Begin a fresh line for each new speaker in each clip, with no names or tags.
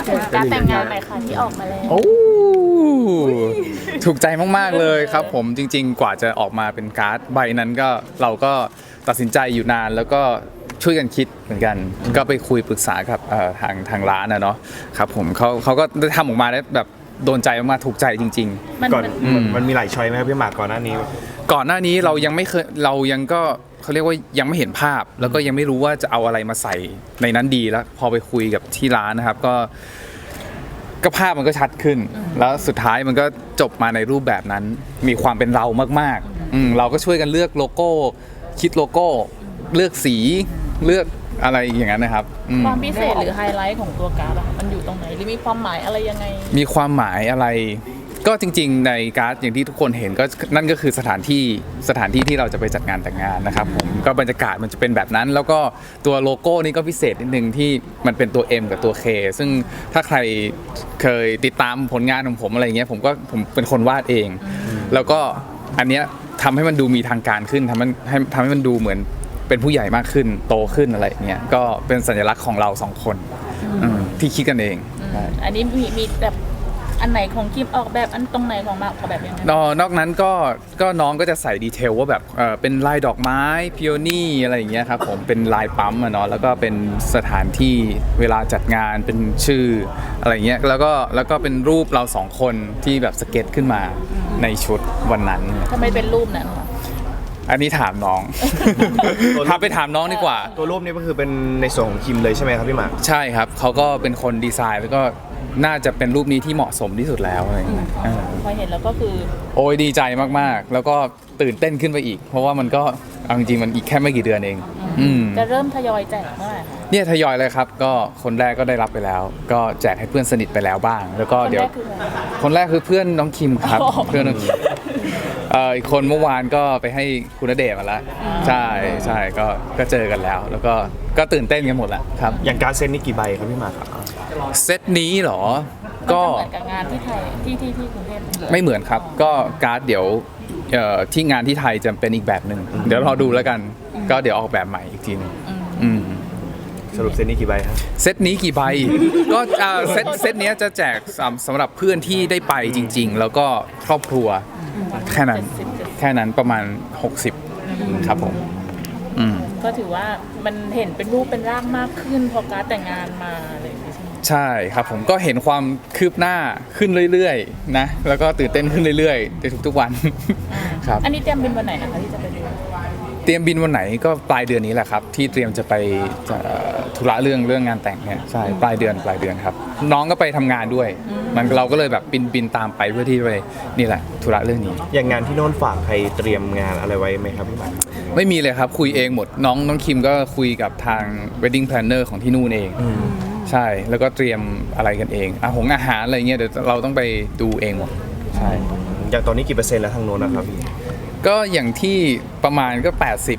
ถึงการแต่งงานหน่อยค่ะที่ออกมาแล้ว
โอ้ถูกใจมากๆเลยครับผมจริงๆกว่าจะออกมาเป็นการ์ดใบนั้นก็เราก็ตัดสินใจอยู่นานแล้วก็ช่วยกันคิดเหมือนกันก็ไปคุยปรึกษากับทางร้านนะเนาะครับผมเขาก็ได้ทำออกมาได้แบบโดนใจมากๆถูกใจจริงๆ
ก่อนมันมีหลายช้อยไหมครับพี่หมากก่อนหน้านี้
เรายังไม่เคยเรายังก็เขาเรียกว่ายังไม่เห็นภาพ แล้วก็ยังไม่รู้ว่าจะเอาอะไรมาใส่ในนั้นดีแล้วพอไปคุยกับที่ร้านนะครับก็ภาพมันก็ชัดขึ้น แล้วสุดท้ายมันก็จบมาในรูปแบบนั้นมีความเป็นเรามากๆเราก็ช่วยกันเลือกโลโก้คิดโลโก้เลือกสีเลือกอะไรอย่างนั้นนะครับ
ความพิเศษหรือไฮไลท์ของตัวการ์ดอะมันอยู่ตรงไหนหรือมีความหมายอะไรยังไง
มีความหมายอะไรก็จริงๆในการ์ดอย่างที่ทุกคนเห็นก็นั่นก็คือสถานที่ที่เราจะไปจัดงานแต่งงานนะครับผมก็บรรยากาศมันจะเป็นแบบนั้นแล้วก็ตัวโลโก้นี่ก็พิเศษนิดนึงที่มันเป็นตัว M กับตัว K ซึ่งถ้าใครเคยติดตามผลงานของผมอะไรเงี้ยผมเป็นคนวาดเองแล้วก็อันเนี้ยทำให้มันดูมีทางการขึ้นทำให้มันดูเหมือนเป็นผู้ใหญ่มากขึ้นโตขึ้นอะไรเงี้ยก็เป็นสัญลักษณ์ของเราสองคนที่คิดกันเอง
อันนี้มีแบบอันไหนของคิมออกแบบอันตรงไหนของมาออกแบบยังไง
นอกนั้นก็น้องก็จะใส่ดีเทลว่าแบบเป็นลายดอกไม้พิโอนี่อะไรอย่างเงี้ยครับผมเป็นลายปั๊มอะเนาะแล้วก็เป็นสถานที่เวลาจัดงานเป็นชื่ออะไรเงี้ยแล้วก็เป็นรูปเราสองคนที่แบบสเก็ตขึ้นมาในชุดวันนั้น
ทำไมเป็นรูปนั้น
อันนี้ถามน้อง พาไปถามน้องดีกว่า
ตัวรูปนี้ก็คือเป็นในส่วนของคิมเลยใช่ไหมครับพี่หมาก
ใช่ครับเขาก็เป็นคนดีไซน์แล้วก็น่าจะเป็นรูปนี้ที่เหมาะสมที่สุดแล้วอะไรอย่างเงี้ย
พอเห็นแล้วก็คือ
โอ้ยดีใจมากๆแล้วก็ตื่นเต้นขึ้นไปอีกเพราะว่ามันก็เอาจริงๆมันอีกแค่ไม่กี่เดือนเอง
จะเริ่มทยอยแจกเมื่อไหร่
เนี่ยทยอยเลยครับก็คนแรกก็ได้รับไปแล้วก็แจกให้เพื่อนสนิทไปแล้วบ้างแล้วก็เดี๋ยวคนแรกคือเพื่อนน้องคิมครับเพื่อนน้องคิมอีกคนเมื่อวานก็ไปให้คุณณเดชน์มาแล้วใช่ก็เจอกันแล้วแล้วก็ตื่นเต้นกันหมดแหละครับ
อย่างการเซ็นนี่กี่ใบครับพี่หมากครับ
เซตนี้เหรอ
ก็เหมือนกับงานที่ไทยที่กรุงเทพ
ไม่เหมือนครับก็การ์ดเดี๋ยวที่งานที่ไทยจะเป็นอีกแบบหนึ่งเดี๋ยวรอดูแล้วกันก็เดี๋ยวออกแบบใหม่อีกทีนึง
สรุปเซตนี้กี่ใบครับ
เซตนี้กี่ใบก็เซตนี้จะแจกสำหรับเพื่อนที่ได้ไปจริงๆแล้วก็ครอบครัวแค่นั้นประมาณ60ครับผม
ก็ถือว่ามันเห็นเป็นรูปเป็นร่างมากขึ้นพอการแต่งงานมาอะไรอย่างนี้ใช่ไหม
ใช่ครับผมก็เห็นความคืบหน้าขึ้นเรื่อยๆนะแล้วก็ตื่นเต้นขึ้นเรื่อยๆในทุกๆวันครับ
อันนี้เตรียมบินวันไหนนะคะที่จะไปดู
เตรียมบินวันไหนก็ปลายเดือนนี้แหละครับที่เตรียมจะไปธุระเรื่องงานแต่งเนี่ยใช่ปลายเดือนครับน้องก็ไปทำงานด้วยมันเราก็เลยแบบบินตามไปเพื่อที่ไปนี่แหละธุระเรื่องนี้
อย่างงานที่โน่นฝากใครเตรียมงานอะไรไว้ไหมครับพี่หมาก
ไม่มีเลยครับคุยเองหมดน้องคิมก็คุยกับทาง wedding planner ของที่นู่นเองใช่แล้วก็เตรียมอะไรกันเองอาหารอะไรเงี้ยเดี๋ยวเราต้องไปดูเองหมดใช่
อย่างตอนนี้กี่เปอร์เซ็นต์แล้วทางโน้นนะครับพี่
ก็อย่างที่ประมาณก็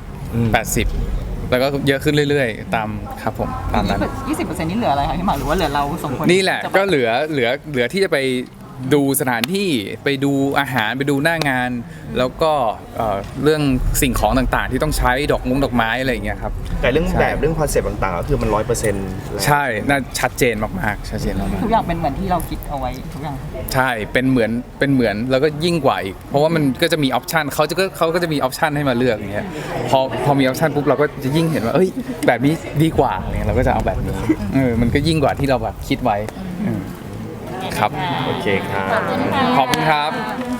80แล้วก็เยอะขึ้นเรื่อยๆตามครับผมตามนั้น
20%นี่เหลืออะไรคะพี่หมากหรือว่าเหลือเราสองคน
นี่แหละก็เหลือที่จะไปดูสถานที่ไปดูอาหารไปดูหน้างานแล้วก็เรื่องสิ่งของต่างๆที่ต้องใช้ดอกไม้อะไรอย่างเงี้ยครับ
แต่เรื่องแบบเรื่องคอนเซปต์ต่างๆก็คือมัน100%
ใช่น่าชัดเจนมากๆชัดเจนมาก
ทุกอย่างเป็นเหมือนที่เราคิดเอาไว้ทุกอย่าง
ใช่เป็นเหมือนแล้วก็ยิ่งกว่าอีกเพราะว่ามันก็จะมีออปชันเขาก็จะมีออปชันให้มาเลือกอย่างเงี้ยพอมีออปชันปุ๊บเราก็จะยิ่งเห็นว่าเอ้ยแบบนี้ดีกว่าอย่างเงี้ยเราก็จะเอาแบบนี้มันก็ยิ่งกว่าที่เราแบบคิดไว้ครับ
โอเคครับ
ขอบคุณครับ